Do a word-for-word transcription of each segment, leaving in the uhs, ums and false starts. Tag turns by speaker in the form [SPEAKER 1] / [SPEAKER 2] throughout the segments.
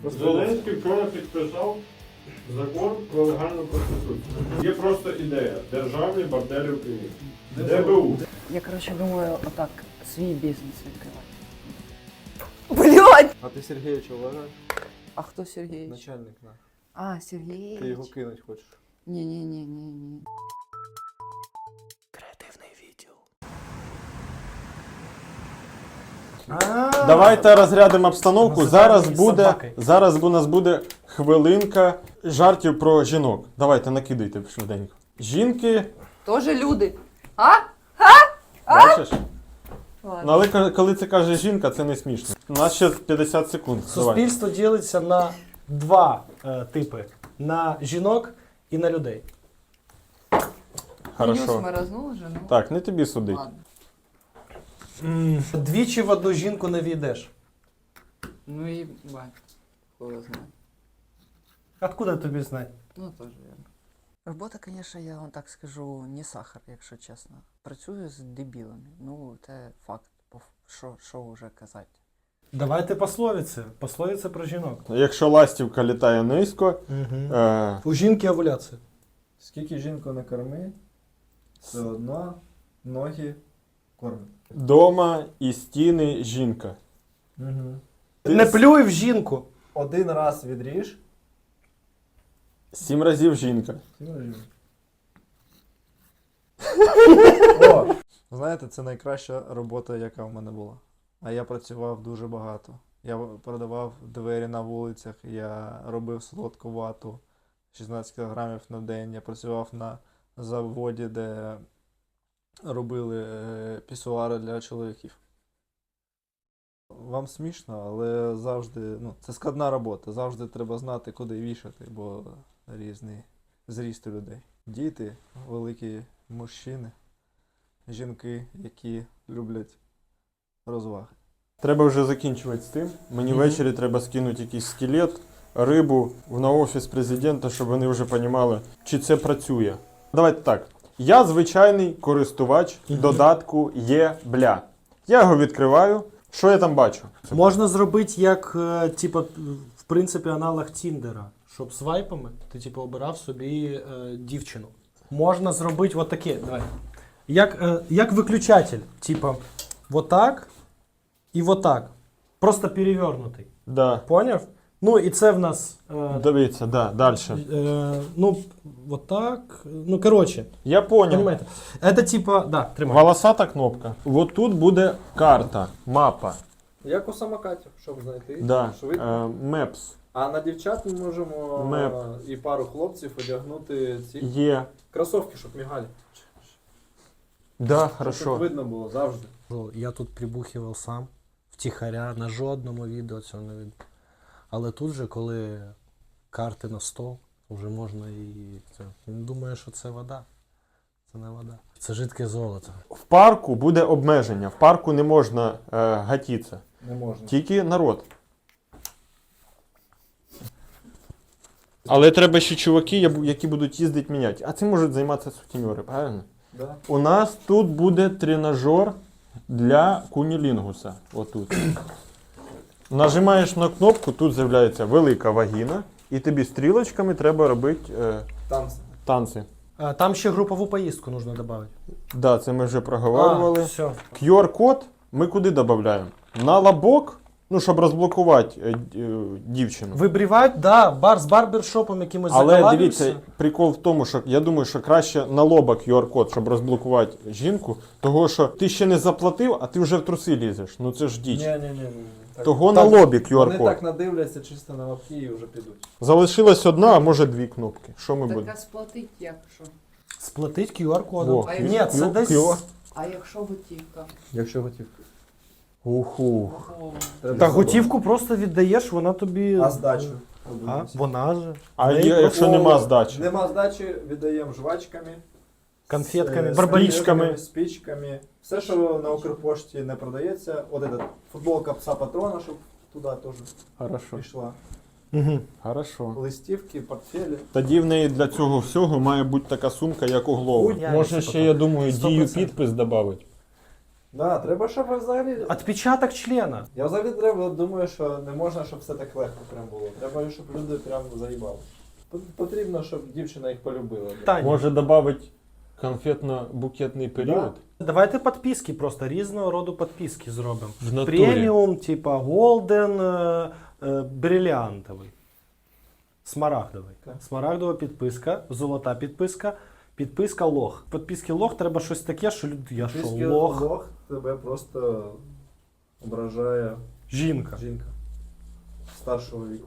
[SPEAKER 1] Зеленський вчора підписав закон про легальну проституцію. Є просто ідея. Державні борделі в Києві. ДБУ.
[SPEAKER 2] Я, короче, думаю, отак свій бізнес відкривати. Блядь!
[SPEAKER 3] А ти Сергійовича вважаєш?
[SPEAKER 2] А хто Сергійович?
[SPEAKER 3] Начальник наш.
[SPEAKER 2] А, Сергійович.
[SPEAKER 3] Ти його кинуть хочеш?
[SPEAKER 2] Ні-ні-ні-ні-ні.
[SPEAKER 4] Давайте розрядимо обстановку. Зараз буде, зараз у нас буде хвилинка жартів про жінок. Давайте накидайте швиденько. Жінки,
[SPEAKER 2] Тоже люди. А?
[SPEAKER 4] бачиш? Ну,
[SPEAKER 2] Ладно.
[SPEAKER 4] але ка- коли це каже жінка, це не смішно. У нас ще п'ятдесят секунд. Давай.
[SPEAKER 5] Суспільство ділиться на два е, типи: на жінок і на людей.
[SPEAKER 2] Плюс
[SPEAKER 4] Хорошо.
[SPEAKER 2] маразнула жену.
[SPEAKER 4] Так, не тобі судить.
[SPEAKER 2] Ладно.
[SPEAKER 5] Двічі в одну жінку не війдеш.
[SPEAKER 2] Ну і бать. Хуй його знає.
[SPEAKER 5] Откуда тобі знати?
[SPEAKER 2] Ну, теж вірно. Робота, звісно, я вам так скажу, не сахар, якщо чесно. Працюю з дебілами. Ну, це факт. По ф- Що, що вже казати.
[SPEAKER 5] Давайте пословиці. Пословиці про жінок.
[SPEAKER 4] Якщо ластівка літає низько,
[SPEAKER 5] Угу.
[SPEAKER 4] е,
[SPEAKER 5] У жінки овуляція.
[SPEAKER 3] Скільки жінку не корми, все одно ноги кормить.
[SPEAKER 4] дома і стіни жінка.
[SPEAKER 3] Угу.
[SPEAKER 5] Не плюй в жінку.
[SPEAKER 3] Один раз відріж.
[SPEAKER 4] Сім разів жінка.
[SPEAKER 3] О! Знаєте, це найкраща робота, яка в мене була. А я працював дуже багато. Я продавав двері на вулицях, я робив солодку вату шістнадцять кілограмів на день. Я працював на заводі, де робили е, пісуари для чоловіків. Вам смішно, але завжди, ну, це складна робота. Завжди треба знати, куди вішати, бо різний зріст у людей. Діти, великі мужчини, жінки, які люблять розваги.
[SPEAKER 4] Треба вже закінчувати з тим. Мені
[SPEAKER 5] Мгм.
[SPEAKER 4] ввечері треба скинути якийсь скелет, рибу на офіс президента, щоб вони вже розуміли, чи це працює. Давайте так. Я звичайний користувач
[SPEAKER 5] Мгм.
[SPEAKER 4] додатку Є-бля. Я його відкриваю. Що я там бачу?
[SPEAKER 5] Можна зробити як, е, типа, в принципі, аналог Тіндера. Щоб свайпами ти типу, обирав собі е, дівчину. Можна зробити от таке. Давай. Як, е, як виключатель. Типа, вот так і вот так. Просто перевернутий.
[SPEAKER 4] Да.
[SPEAKER 5] Поняв? Ну і це в нас. Е,
[SPEAKER 4] Дивіться, да, далі.
[SPEAKER 5] е, ну, вот так. Ну, коротше.
[SPEAKER 4] Я понял.
[SPEAKER 5] Понимаете? Это типа, да, тримай.
[SPEAKER 4] Волосата кнопка. Вот тут буде карта, мапа.
[SPEAKER 3] Як у самокатів, щоб знайти
[SPEAKER 4] Да.
[SPEAKER 3] швидко.
[SPEAKER 4] Е, Мепс.
[SPEAKER 3] А на дівчат ми можемо
[SPEAKER 4] Меп.
[SPEAKER 3] е, і пару хлопців одягнути ці
[SPEAKER 4] Є.
[SPEAKER 3] кросовки, щоб мігали.
[SPEAKER 4] Да,
[SPEAKER 3] Щоб
[SPEAKER 4] хорошо.
[SPEAKER 3] видно було завжди.
[SPEAKER 5] Я тут прибухивав сам, втіхаря, на жодному відео цього не видно. Але тут же, коли карти на стол, вже можна і це. Він думає, що це вода. Це не вода. Це жидке золото.
[SPEAKER 4] В парку буде обмеження. В парку не можна е, гатитися.
[SPEAKER 3] Не можна.
[SPEAKER 4] Тільки народ. Але треба ще чуваки, я- які будуть їздити міняти. А цим можуть займатися сутенери, правильно?
[SPEAKER 3] Да.
[SPEAKER 4] У нас тут буде тренажер для кунілінгуса. Отут. Нажимаєш на кнопку, тут з'являється велика вагіна, і тобі стрілочками треба робити е,
[SPEAKER 3] Танці.
[SPEAKER 4] танці.
[SPEAKER 5] А, там ще групову поїздку потрібно додати.
[SPEAKER 4] Да, це ми вже проговорювали.
[SPEAKER 5] А, все.
[SPEAKER 4] ку ар-код ми куди додаємо? На лобок, ну, щоб розблокувати е, е, дівчину.
[SPEAKER 5] Вибрівати, да, бар з барбершопом якимось
[SPEAKER 4] Але
[SPEAKER 5] заколабився.
[SPEAKER 4] дивіться, прикол в тому, що я думаю, що краще на лоба ку ар-код, щоб розблокувати жінку, того що ти ще не заплатив, а ти вже в труси лізеш. Ну це ж діч.
[SPEAKER 3] Ні-ні-ні. Так,
[SPEAKER 4] Того
[SPEAKER 5] Так,
[SPEAKER 4] на лобі ку
[SPEAKER 3] Вони
[SPEAKER 4] ар-код.
[SPEAKER 3] так надивляться чисто на лапки і вже підуть.
[SPEAKER 4] Залишилась одна, а може дві кнопки. Що ми будемо?
[SPEAKER 2] Так, а сплатить як що?
[SPEAKER 5] Сплатить ку ар-кодом.
[SPEAKER 4] Во,
[SPEAKER 2] А
[SPEAKER 5] Ні,
[SPEAKER 2] якщо-
[SPEAKER 5] це
[SPEAKER 4] Q-
[SPEAKER 5] десь...
[SPEAKER 4] Q-
[SPEAKER 2] А якщо готівка?
[SPEAKER 3] Якщо готівка.
[SPEAKER 4] Уху.
[SPEAKER 2] О,
[SPEAKER 5] Та готівку просто віддаєш, вона тобі...
[SPEAKER 3] А здачу?
[SPEAKER 5] А, вона же.
[SPEAKER 4] А
[SPEAKER 5] В неї
[SPEAKER 4] є- якщо
[SPEAKER 3] О,
[SPEAKER 4] нема здачі?
[SPEAKER 3] Нема здачі, віддаємо жвачками.
[SPEAKER 5] Конфетками,
[SPEAKER 3] з-
[SPEAKER 5] барбарічками.
[SPEAKER 3] спичками, спичками. Все, що на Укрпошті не продається. От эта футболка пса патрона, щоб туди теж
[SPEAKER 4] Хорошо.
[SPEAKER 3] пішла.
[SPEAKER 5] Угу.
[SPEAKER 4] Хорошо.
[SPEAKER 3] Листівки, портфелі.
[SPEAKER 4] Тоді в неї для цього всього має бути така сумка, як у Глова.
[SPEAKER 5] Ой, я
[SPEAKER 4] Може
[SPEAKER 5] не
[SPEAKER 4] ще,
[SPEAKER 5] потім.
[SPEAKER 4] я думаю,
[SPEAKER 5] Сто
[SPEAKER 4] дію
[SPEAKER 5] процентів.
[SPEAKER 4] підпис додати.
[SPEAKER 3] Да, треба, щоб взагалі.
[SPEAKER 5] Отпечаток члена.
[SPEAKER 3] Я взагалі треба, думаю, що не можна, щоб все так легко прям було. Треба, щоб люди прям заїбали. П- Потрібно, щоб дівчина їх полюбила.
[SPEAKER 5] Таня.
[SPEAKER 4] Може додати конфетно-букетний період?
[SPEAKER 5] Давайте підписки просто, різного роду підписки зробимо.
[SPEAKER 4] В натурі.
[SPEAKER 5] Преміум, типа Голден, е, е, бриліантовий. Смарагдовий.
[SPEAKER 3] Так.
[SPEAKER 5] Смарагдова підписка, золота підписка, підписка лох. Підписки лох треба щось таке, що люди. Я що,
[SPEAKER 3] Трішки
[SPEAKER 5] лох?
[SPEAKER 3] лох тебе просто ображає
[SPEAKER 5] Жінка.
[SPEAKER 3] жінка старшого віку.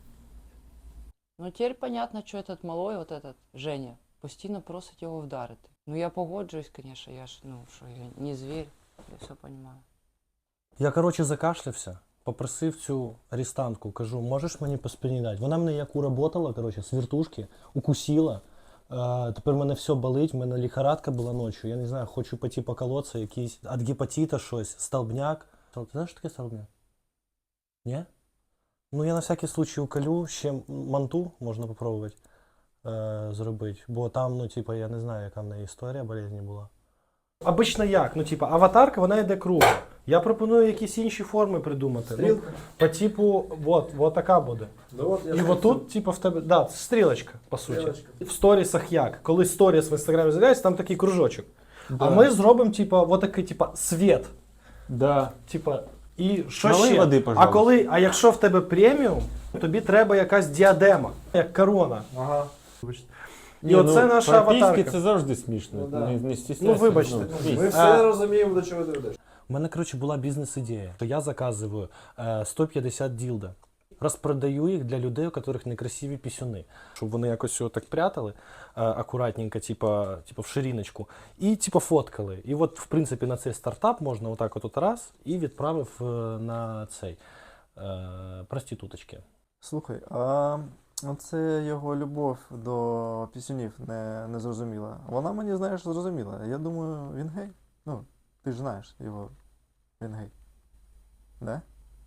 [SPEAKER 2] Ну тепер понятно, що этот малой, вот этот Женя, постійно просить його вдарити. Ну я погоджуюсь, звісно, я ж, ну, що я не звір, я все розумію.
[SPEAKER 5] Я, коротше, закашлявся, попросив цю арестантку, кажу, можеш мені по спині дати? Вона мене як уработала, коротше, з вертушки, укусила. Е, тепер в мене все болить, в мене лихорадка була ночі. Я не знаю, хочу піти поколоться, якийсь від гепатита щось, столбняк. Ти знаєш, що таке столбняк? Ні? Ну, я на всякий случай уколю, ще манту можна попробувати е, зробити. Бо там, ну, типа, я не знаю, яка в неї історія болезні була. Обично як? Ну, типа, аватарка, вона йде кругом. Я пропоную якісь інші форми придумати.
[SPEAKER 3] Стрілка.
[SPEAKER 5] Ну, по типу, от, от така буде.
[SPEAKER 3] Ну, от я
[SPEAKER 5] І
[SPEAKER 3] ж
[SPEAKER 5] от тут, типу, в тебе, да, це стрілочка, по суті.
[SPEAKER 3] Стрілочка.
[SPEAKER 5] В сторісах як? Коли сторіс в інстаграмі з'являється, там такий кружочок.
[SPEAKER 4] Да.
[SPEAKER 5] А ми зробимо, типу, от такий, типу, світ.
[SPEAKER 4] Да.
[SPEAKER 5] Типа, і що
[SPEAKER 4] Налий
[SPEAKER 5] ще?
[SPEAKER 4] води,
[SPEAKER 5] а
[SPEAKER 4] пожалуйста.
[SPEAKER 5] коли, а якщо в тебе преміум, тобі треба якась діадема, як корона.
[SPEAKER 3] Ага.
[SPEAKER 5] І оце наша
[SPEAKER 4] прописки
[SPEAKER 5] аватарка.
[SPEAKER 4] це завжди смішно.
[SPEAKER 3] Ну, да.
[SPEAKER 4] не, не стісняйся.
[SPEAKER 5] Ну, вибачте.
[SPEAKER 4] дійсно.
[SPEAKER 3] Ми все
[SPEAKER 5] А-
[SPEAKER 3] розуміємо, до чого ти ведеш.
[SPEAKER 5] У мене, коротше, була бізнес-ідея. Що я заказую е, сто п'ятдесят ділда. Розпродаю їх для людей, у яких некрасиві пісюни. Щоб вони якось його так прятали е, акуратненько, типа, типа в шириночку, і типа фоткали. І от, в принципі, на цей стартап можна отак от, от раз і відправив е, на цей е, проституточки.
[SPEAKER 3] Слухай, а це його любов до пісюнів не, не зрозуміла. Вона мені, знаєш, зрозуміла. Я думаю, він гей. Ну, ти ж знаєш його. Він гей. Да?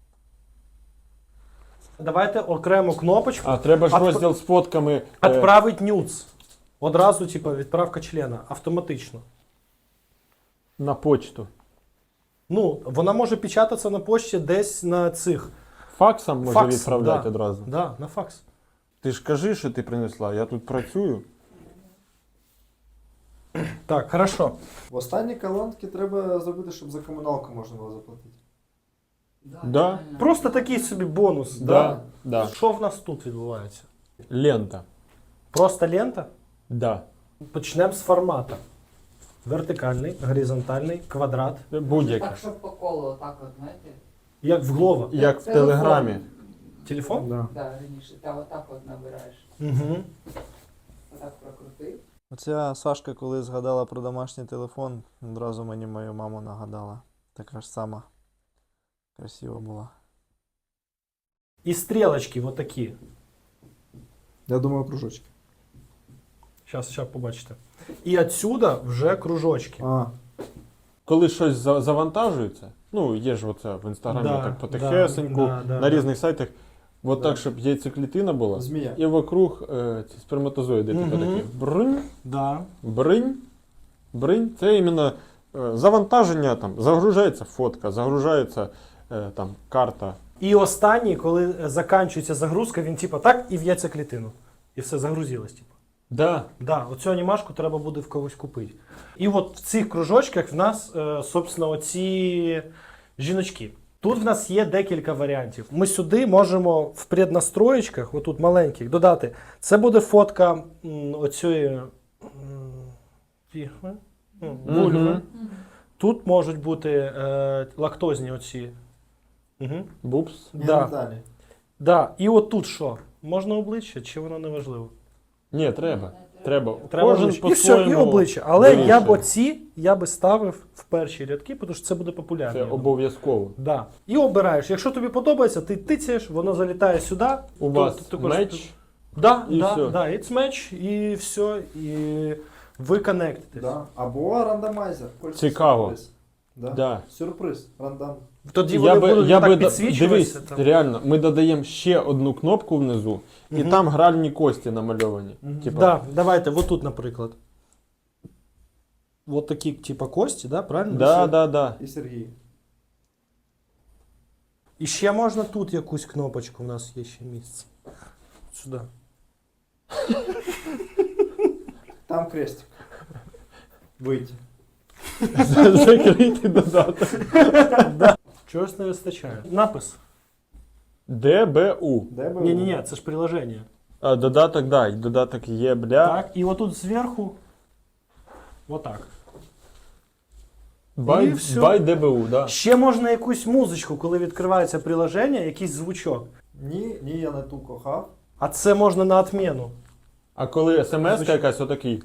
[SPEAKER 5] Давайте окрему кнопочку.
[SPEAKER 4] А треба ж
[SPEAKER 5] Отп-
[SPEAKER 4] розділ з фотками. е,
[SPEAKER 5] Відправить нюц. Одразу, типа, відправка члена. Автоматично.
[SPEAKER 4] на почту.
[SPEAKER 5] Ну, вона може печататися на пошті десь на цих.
[SPEAKER 4] Факсом може
[SPEAKER 5] Факсом,
[SPEAKER 4] відправляти
[SPEAKER 5] да.
[SPEAKER 4] одразу.
[SPEAKER 5] Да, на факс.
[SPEAKER 4] Ти ж кажи, що ти принесла, я тут працюю.
[SPEAKER 5] Так, хорошо.
[SPEAKER 3] В останній колонці треба зробити, щоб за комуналку можна було заплатити.
[SPEAKER 4] Да.
[SPEAKER 5] Просто такий собі бонус.
[SPEAKER 4] Да. Да.
[SPEAKER 5] Що в нас тут відбувається?
[SPEAKER 4] Лента.
[SPEAKER 5] Просто лента?
[SPEAKER 4] Да.
[SPEAKER 5] Почнемо з формату. Вертикальний, горизонтальний, квадрат.
[SPEAKER 4] Будь-яке.
[SPEAKER 2] Так, щоб по колу, отак от, знаєте?
[SPEAKER 5] Як в Глова.
[SPEAKER 4] Як в
[SPEAKER 2] Телефон.
[SPEAKER 4] телеграмі.
[SPEAKER 5] Телефон?
[SPEAKER 3] Да.
[SPEAKER 2] Да, раніше. Та отак от набираєш.
[SPEAKER 5] Угу.
[SPEAKER 2] Отак прокрутив.
[SPEAKER 3] Оця Сашка, коли згадала про домашній телефон, одразу мені мою маму нагадала. Така ж сама. Красива була.
[SPEAKER 5] І стрілочки отакі.
[SPEAKER 3] Я думаю, кружочки.
[SPEAKER 5] Зараз, зараз побачите. І отсюда вже кружочки.
[SPEAKER 3] А,
[SPEAKER 4] Коли щось за- завантажується, ну є ж оце в інстаграмі
[SPEAKER 5] Да,
[SPEAKER 4] так потихесеньку,
[SPEAKER 5] да, да, да,
[SPEAKER 4] на
[SPEAKER 5] да.
[SPEAKER 4] різних сайтах, от
[SPEAKER 3] Да.
[SPEAKER 4] так, щоб яйцеклітина була,
[SPEAKER 3] змія.
[SPEAKER 4] і вокруг е, ці сперматозоїди типу
[SPEAKER 5] Мгм.
[SPEAKER 4] такі. Бринь,
[SPEAKER 5] Да.
[SPEAKER 4] бринь, бринь. Це іменно е, завантаження, там, загружається фотка, загружається е, там карта.
[SPEAKER 5] І останній, коли е, закінчується загрузка, він типа так і в яйцеклітину. І все загрузилось, типу.
[SPEAKER 4] Да.
[SPEAKER 5] Да, оцю анімашку треба буде в когось купити. І от в цих кружочках в нас, е, собственно, оці жіночки. Тут в нас є декілька варіантів. Ми сюди можемо в преднастроєчках, отут маленьких, додати. Це буде фотка м, оцієї м, фігми, м, вульви.
[SPEAKER 4] Мгм.
[SPEAKER 5] Тут можуть бути е, лактозні оці. Угу.
[SPEAKER 4] Бупс.
[SPEAKER 5] Да.
[SPEAKER 3] Далі.
[SPEAKER 5] Да. І от тут що? Можна обличчя, чи воно не важливо?
[SPEAKER 4] Ні, треба. Треба.
[SPEAKER 5] Треба
[SPEAKER 4] Кожен
[SPEAKER 5] обличчя. І все, і
[SPEAKER 4] по-своєму
[SPEAKER 5] обличчя. Але я
[SPEAKER 4] вирішує.
[SPEAKER 5] б оці я би ставив в перші рядки, тому що це буде популярно.
[SPEAKER 4] Це
[SPEAKER 5] я думаю.
[SPEAKER 4] обов'язково.
[SPEAKER 5] Да. І обираєш. Якщо тобі подобається, ти тицяєш, воно залітає сюди.
[SPEAKER 4] У
[SPEAKER 5] То-
[SPEAKER 4] вас
[SPEAKER 5] то також-
[SPEAKER 4] меч.
[SPEAKER 5] Да,
[SPEAKER 4] і
[SPEAKER 5] да,
[SPEAKER 4] все.
[SPEAKER 5] да, it's match, і все, і ви коннектитесь.
[SPEAKER 3] Да. Або рандомайзер. Хочеш
[SPEAKER 4] Цікаво.
[SPEAKER 3] сюрприз. Да.
[SPEAKER 4] Да.
[SPEAKER 3] Сюрприз. Рандом.
[SPEAKER 5] Тоді
[SPEAKER 4] Я
[SPEAKER 5] вони
[SPEAKER 4] би,
[SPEAKER 5] будуть
[SPEAKER 4] я
[SPEAKER 5] так
[SPEAKER 4] би да-
[SPEAKER 5] підсвічуватися.
[SPEAKER 4] дивись,
[SPEAKER 5] там.
[SPEAKER 4] реально, ми додаємо ще одну кнопку внизу, і
[SPEAKER 5] Мгм.
[SPEAKER 4] там гральні кості намальовані. Типа,
[SPEAKER 5] Да, давайте, отут, наприклад. от такі, типа, кості, да, правильно?
[SPEAKER 4] Да, да, да.
[SPEAKER 3] І Сергій.
[SPEAKER 5] І ще можна тут якусь кнопочку, у нас є ще місце. Сюди.
[SPEAKER 3] Там крестик. Вийти.
[SPEAKER 4] Закритий додаток.
[SPEAKER 5] Чогось не вистачає. Напис.
[SPEAKER 4] ДБУ.
[SPEAKER 3] Де би?
[SPEAKER 5] Ні-ні-ні, це ж приложення.
[SPEAKER 4] А, додаток, да, і додаток є, бля.
[SPEAKER 5] Так, і отут зверху. Отак. І
[SPEAKER 4] Бай,
[SPEAKER 5] всьо.
[SPEAKER 4] бай ДБУ, да.
[SPEAKER 5] Ще можна якусь музичку, коли відкривається приложення, якийсь звучок.
[SPEAKER 3] Ні, ні, я не ту кохав.
[SPEAKER 5] А це можна на отміну.
[SPEAKER 4] А коли смс якась отакий.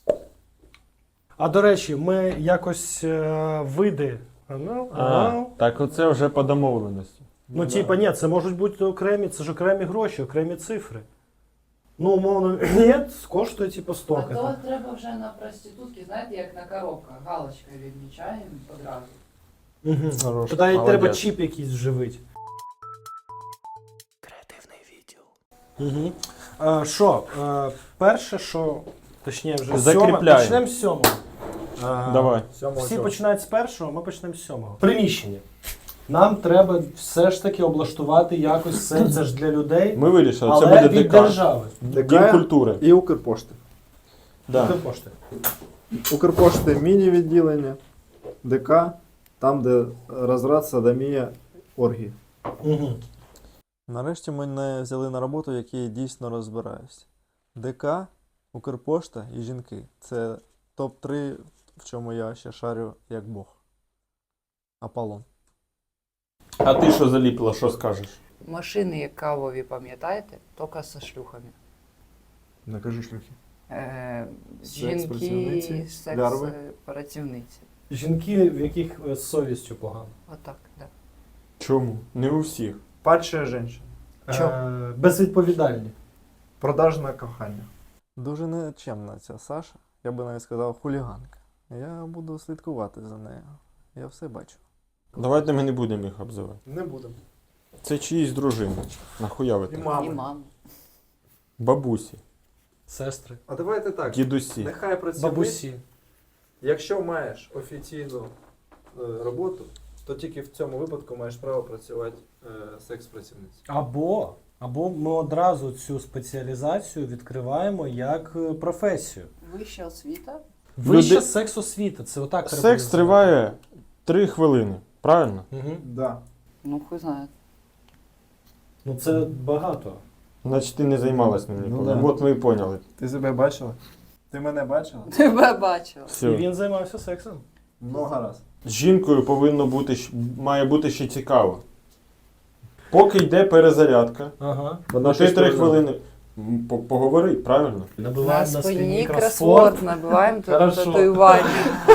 [SPEAKER 5] А до речі, ми якось е, види. Ну,
[SPEAKER 4] А, так оце вже по домовленості.
[SPEAKER 5] ну, типа, ні, це можуть бути окремі, це ж окремі гроші, окремі цифри. Ну, умовно, ні, коштує типу
[SPEAKER 2] А
[SPEAKER 5] стільки.
[SPEAKER 2] то треба вже на проститутки, знаєте, як на коробках, галочкою відмічаємо одразу.
[SPEAKER 5] Угу.
[SPEAKER 4] Хорош,
[SPEAKER 5] Тоді
[SPEAKER 4] молодець.
[SPEAKER 5] треба чіп якийсь вживити. Креативний відділ. Угу. Е, Що, е, перше, що, точніше вже
[SPEAKER 4] Закріпляємо.
[SPEAKER 5] сьоме, почнемо з сьомого. Е,
[SPEAKER 4] Давай.
[SPEAKER 3] Сьомого
[SPEAKER 5] Всі
[SPEAKER 3] чого?
[SPEAKER 5] починають з першого, ми почнемо з сьомого. Приміщення. Нам треба все ж таки облаштувати якось все, це ж для людей,
[SPEAKER 4] Ми вирішили,
[SPEAKER 5] але
[SPEAKER 4] це буде
[SPEAKER 5] від
[SPEAKER 4] ДК.
[SPEAKER 5] держави.
[SPEAKER 4] Дім культури.
[SPEAKER 3] І Укрпошти.
[SPEAKER 4] Да.
[SPEAKER 5] Укрпошти.
[SPEAKER 3] Укрпошти міні-відділення, ДК, там, де розрад, садомія, оргії.
[SPEAKER 5] Угу.
[SPEAKER 3] Нарешті мене взяли на роботу, в якій я дійсно розбираюсь. ДК, Укрпошта і жінки. Це топ три, в чому я ще шарю як Бог. Аполлон.
[SPEAKER 4] А ти що заліпила, що скажеш?
[SPEAKER 2] Машини кавові, пам'ятаєте? Тільки зі шлюхами.
[SPEAKER 3] Накажи шлюхи.
[SPEAKER 2] Е,
[SPEAKER 3] Секс-працівниці,
[SPEAKER 2] жінки,
[SPEAKER 3] лярви.
[SPEAKER 2] секс-працівниці.
[SPEAKER 5] Жінки, в яких е, з совістю погано.
[SPEAKER 2] Отак, да.
[SPEAKER 4] Чому? Не у всіх.
[SPEAKER 3] Падшая жінка.
[SPEAKER 2] Чо?
[SPEAKER 5] Е, безвідповідальні.
[SPEAKER 3] Продажне кохання. Дуже нечемна ця Саша. Я би навіть сказав хуліганка. Я буду слідкувати за нею. Я все бачу.
[SPEAKER 4] Давайте ми не будемо їх обзивати.
[SPEAKER 3] Не будемо.
[SPEAKER 4] Це чиїсь дружини. Нахуя ви
[SPEAKER 3] І
[SPEAKER 4] так?
[SPEAKER 2] І
[SPEAKER 3] мами.
[SPEAKER 2] мама.
[SPEAKER 4] Бабусі,
[SPEAKER 5] Сестри.
[SPEAKER 3] А давайте так.
[SPEAKER 4] дідусі.
[SPEAKER 3] Нехай працівник,
[SPEAKER 5] Бабусі.
[SPEAKER 3] якщо маєш офіційну е, роботу, то тільки в цьому випадку маєш право працювати е, секс-працівницею.
[SPEAKER 5] Або, або ми одразу цю спеціалізацію відкриваємо як е, професію.
[SPEAKER 2] Вища освіта.
[SPEAKER 5] Вища
[SPEAKER 4] Люди-
[SPEAKER 5] секс-освіта. Це отак треба
[SPEAKER 4] Секс
[SPEAKER 5] називати.
[SPEAKER 4] триває три хвилини, правильно?
[SPEAKER 5] Угу.
[SPEAKER 3] Да.
[SPEAKER 2] Ну, хуй знає.
[SPEAKER 5] Ну це багато.
[SPEAKER 4] Значить ти не займалась ним
[SPEAKER 3] Ну
[SPEAKER 4] ніколи.
[SPEAKER 3] да.
[SPEAKER 4] От ми і поняли.
[SPEAKER 3] Ти себе бачила? Ти мене бачила?
[SPEAKER 2] Тебе бачила.
[SPEAKER 5] І
[SPEAKER 4] Все.
[SPEAKER 5] він займався сексом.
[SPEAKER 3] Много раз.
[SPEAKER 4] З жінкою повинно бути, щ- має бути ще цікаво. Поки йде перезарядка,
[SPEAKER 5] Ага.
[SPEAKER 3] Вона
[SPEAKER 4] ти
[SPEAKER 3] щось
[SPEAKER 4] три
[SPEAKER 3] повинна.
[SPEAKER 4] хвилини м, по- поговори, правильно?
[SPEAKER 2] На
[SPEAKER 5] Набиваємо на
[SPEAKER 2] спині
[SPEAKER 5] кросфорд.
[SPEAKER 2] кросворд, набиваємо тут
[SPEAKER 5] Хорошо.
[SPEAKER 2] татуювання.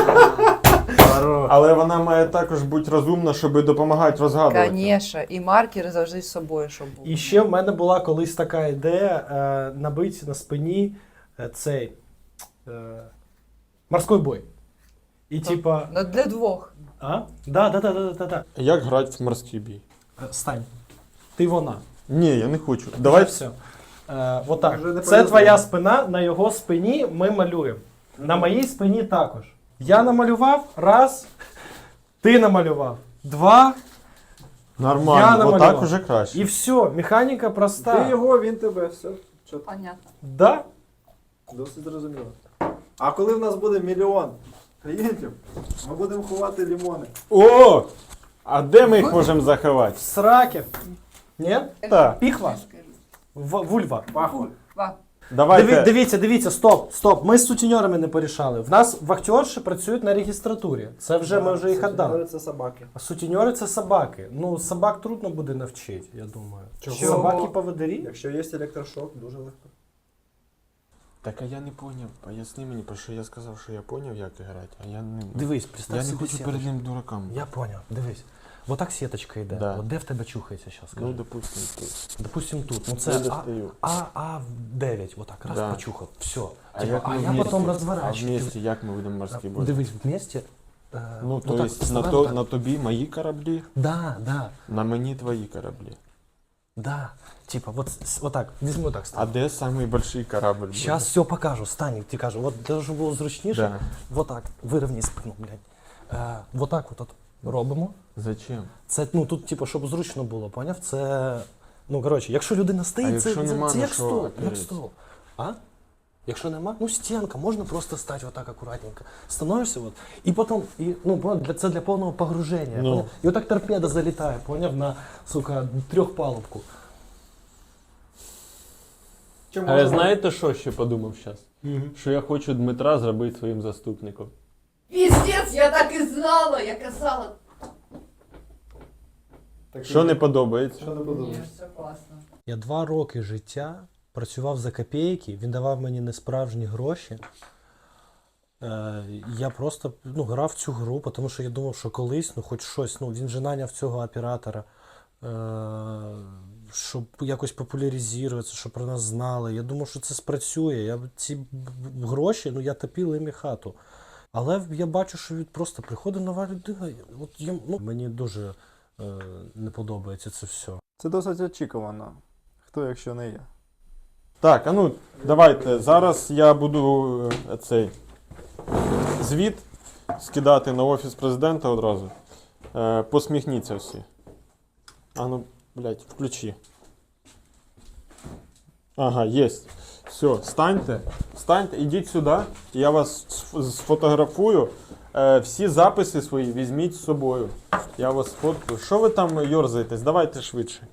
[SPEAKER 5] Хорош.
[SPEAKER 4] Але вона має також бути розумна, щоб допомагати розгадувати.
[SPEAKER 2] Звісно, і маркер завжди з собою, щоб був.
[SPEAKER 5] І ще в мене була колись така ідея е, набити на спині е, цей е, морський бой. І типа.
[SPEAKER 2] Ну, для двох.
[SPEAKER 5] А? Да, да, да, да, да, да.
[SPEAKER 4] Як грати в морський бій?
[SPEAKER 5] Е, Стань. Ти вона.
[SPEAKER 4] Ні, я не хочу.
[SPEAKER 5] Давай
[SPEAKER 4] Давай
[SPEAKER 5] все. Е, отак.
[SPEAKER 3] Вже не
[SPEAKER 5] Це
[SPEAKER 3] повезло.
[SPEAKER 5] твоя спина, на його спині ми малюємо. На моїй спині також. Я намалював, раз. Ти намалював. Два. Я
[SPEAKER 4] Нормально,
[SPEAKER 5] намалював.
[SPEAKER 4] отак уже краще.
[SPEAKER 5] І все. Механіка проста.
[SPEAKER 3] Ти його, він тебе, все. Чітко.
[SPEAKER 2] Понятно.
[SPEAKER 5] Да?
[SPEAKER 3] Досить зрозуміло. А коли в нас буде мільйон клієнтів, ми будемо ховати лімони.
[SPEAKER 4] О! А де ми їх можемо заховати?
[SPEAKER 5] В сраке. Ні?
[SPEAKER 4] Так.
[SPEAKER 5] Піхва. В- вульва.
[SPEAKER 3] Пахло.
[SPEAKER 2] Ва.
[SPEAKER 4] Давайте.
[SPEAKER 5] Диві, дивіться, дивіться, стоп, стоп. Ми з сутіньорами не порішали. В нас вахтерші працюють на регістратурі. Це вже ми вже їх віддали.
[SPEAKER 3] Це собаки.
[SPEAKER 5] А сутіньори це собаки. Ну, собак трудно буде навчити, я думаю.
[SPEAKER 3] Чого?
[SPEAKER 5] Собаки поводирі?
[SPEAKER 3] Якщо є електрошок, дуже легко.
[SPEAKER 4] Так, а я не поняв. Поясни мені, про що я сказав, що я поняв, як грати, а я не.
[SPEAKER 5] Дивись, представ
[SPEAKER 4] Я не
[SPEAKER 5] собі
[SPEAKER 4] хочу
[SPEAKER 5] сіточку.
[SPEAKER 4] перед ним дураком.
[SPEAKER 5] Я поняв, дивись. Вот так сіточка йде.
[SPEAKER 4] Да.
[SPEAKER 5] От де в тебе чухається зараз?
[SPEAKER 4] Ну,
[SPEAKER 5] Скажи.
[SPEAKER 4] допустим, тут.
[SPEAKER 5] Допустим, тут. Ну
[SPEAKER 4] Не
[SPEAKER 5] це а,
[SPEAKER 4] достаю.
[SPEAKER 5] а, а дев'ять. Вот так, раз
[SPEAKER 4] Да.
[SPEAKER 5] почухав. Все.
[SPEAKER 4] А,
[SPEAKER 5] Типа,
[SPEAKER 4] як
[SPEAKER 5] а
[SPEAKER 4] ми
[SPEAKER 5] я
[SPEAKER 4] вместе?
[SPEAKER 5] потім
[SPEAKER 4] А
[SPEAKER 5] розворачую.
[SPEAKER 4] вместе як ми будемо морський бой?
[SPEAKER 5] Дивись, вместе. е,
[SPEAKER 4] Ну,
[SPEAKER 5] вот
[SPEAKER 4] то
[SPEAKER 5] так,
[SPEAKER 4] есть на,
[SPEAKER 5] вставаємо
[SPEAKER 4] то,
[SPEAKER 5] так.
[SPEAKER 4] на тобі мої кораблі,
[SPEAKER 5] Да, да.
[SPEAKER 4] на мені твої кораблі.
[SPEAKER 5] Да. Типа, вот, с- вот так, візьми так
[SPEAKER 4] А
[SPEAKER 5] стань.
[SPEAKER 4] де самий большой корабль? буде?
[SPEAKER 5] Сейчас все покажу, стань, ти кажу, от для того, щоб було зручніше,
[SPEAKER 4] Да.
[SPEAKER 5] вот так, вирівняй спину, блядь. Е, вот так от, от робимо.
[SPEAKER 4] Зачем?
[SPEAKER 5] Це, ну, тут, типу, щоб зручно було, поняв? Це, ну, коротше, якщо людина стоїть,
[SPEAKER 4] А
[SPEAKER 5] це,
[SPEAKER 4] якщо
[SPEAKER 5] це,
[SPEAKER 4] нема
[SPEAKER 5] це
[SPEAKER 4] на
[SPEAKER 5] як
[SPEAKER 4] що
[SPEAKER 5] стол, як
[SPEAKER 4] опертись?
[SPEAKER 5] стол. А? Якщо нема, ну, стінка, можна просто стати отак акуратненько. Становишся, от, і потім, і, ну, поняв, для, це для повного погруження,
[SPEAKER 4] Ну.
[SPEAKER 5] поняв? І отак торпеда залітає, поняв, на, сука, трьохпалубку.
[SPEAKER 1] Чи
[SPEAKER 4] А ви
[SPEAKER 1] можна-
[SPEAKER 4] знаєте, що ще подумав зараз? Що я хочу Дмитра зробити своїм заступником.
[SPEAKER 2] Піздець, я так і знала, я казала.
[SPEAKER 1] Так,
[SPEAKER 4] Що не подобається?
[SPEAKER 1] Що не подобається?
[SPEAKER 2] все класно.
[SPEAKER 5] Я два роки життя працював за копійки, він давав мені несправжні гроші. Е, я просто ну, грав в цю гру, тому що я думав, що колись, ну хоч щось, ну він же наняв цього оператора, е, щоб якось популяризуватися, щоб про нас знали. Я думав, що це спрацює. Я ці б- б- гроші, ну я топив їм і хату. Але я бачу, що від просто приходить нова людина. От я, ну, мені дуже е, не подобається це все.
[SPEAKER 3] Це досить очікувано. Хто, якщо не я?
[SPEAKER 4] Так, а ну давайте. Зараз я буду е, цей звіт скидати на офіс президента одразу. Е, посміхніться всі. А ну, блядь, включи. Ага, єсть. Все, станьте, станьте, ідіть сюди, я вас сф- сфотографую. Е, всі записи свої візьміть з собою. Я вас сфоткаю. Що ви там йорзаєтесь? Давайте швидше.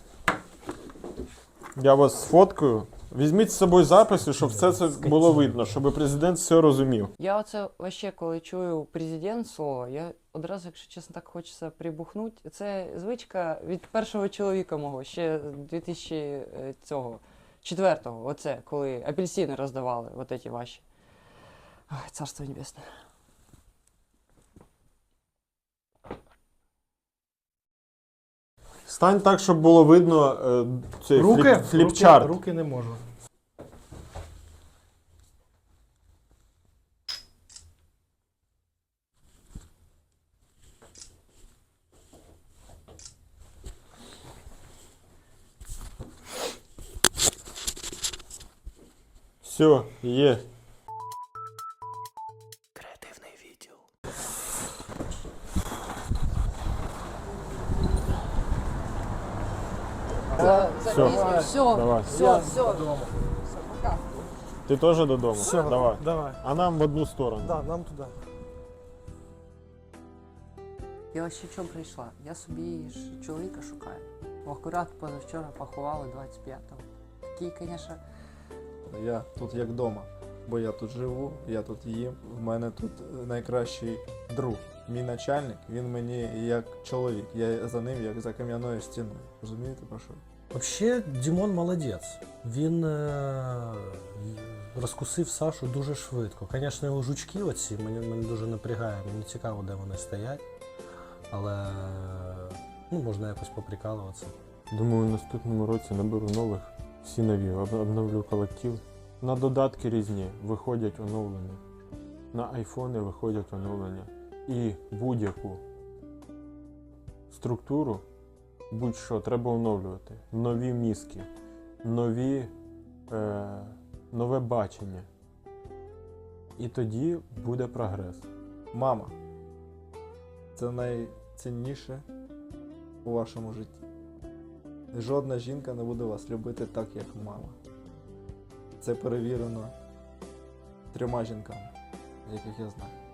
[SPEAKER 4] Я вас сфоткаю. Візьміть з собою записи, щоб все це було видно, щоб президент все розумів.
[SPEAKER 2] Я оце вообще, коли чую президент слово, я одразу, якщо чесно, так хочеться прибухнути. Це звичка від першого чоловіка мого, ще дві тисячі цього, четвертого, оце, коли апельсини роздавали, от ці ваші. Ой, царство небесне.
[SPEAKER 4] Стань так, щоб було видно е, цей
[SPEAKER 5] Руки,
[SPEAKER 4] фліп, фліпчарт.
[SPEAKER 5] руки, руки не можу.
[SPEAKER 4] Все, є.
[SPEAKER 5] Креативний відділ.
[SPEAKER 4] Все,
[SPEAKER 2] Все,
[SPEAKER 4] давай.
[SPEAKER 2] все, все. Пока.
[SPEAKER 4] Ти теж додому?
[SPEAKER 5] Все,
[SPEAKER 4] Давай.
[SPEAKER 5] давай.
[SPEAKER 4] А нам в одну сторону.
[SPEAKER 5] Да, нам туди.
[SPEAKER 2] Я ось ще чому прийшла? Я собі ж чоловіка шукаю. Акурат позавчора поховали двадцять п'ятого. Такий, звісно,
[SPEAKER 3] Я тут як вдома, бо я тут живу, я тут їм. В мене тут найкращий друг. Мій начальник, він мені як чоловік. Я за ним як за кам'яною стіною. Розумієте про що?
[SPEAKER 5] Взагалі, Дімон молодець. Він е- розкусив Сашу дуже швидко. Звісно, його жучки оці мені, мене дуже напрягає. Мені цікаво, де вони стоять. Але ну, можна якось поприкалуватися.
[SPEAKER 4] Думаю, в наступному році наберу нових, всі нові, об- обновлю колектив. На додатки різні виходять оновлення. На айфони виходять оновлення. І будь-яку структуру, будь-що, треба оновлювати. Нові мізки, нові, е, нове бачення. І тоді буде прогрес.
[SPEAKER 3] Мама. Це найцінніше у вашому житті. Жодна жінка не буде вас любити так, як мама. Це перевірено трьома жінками, яких я знаю.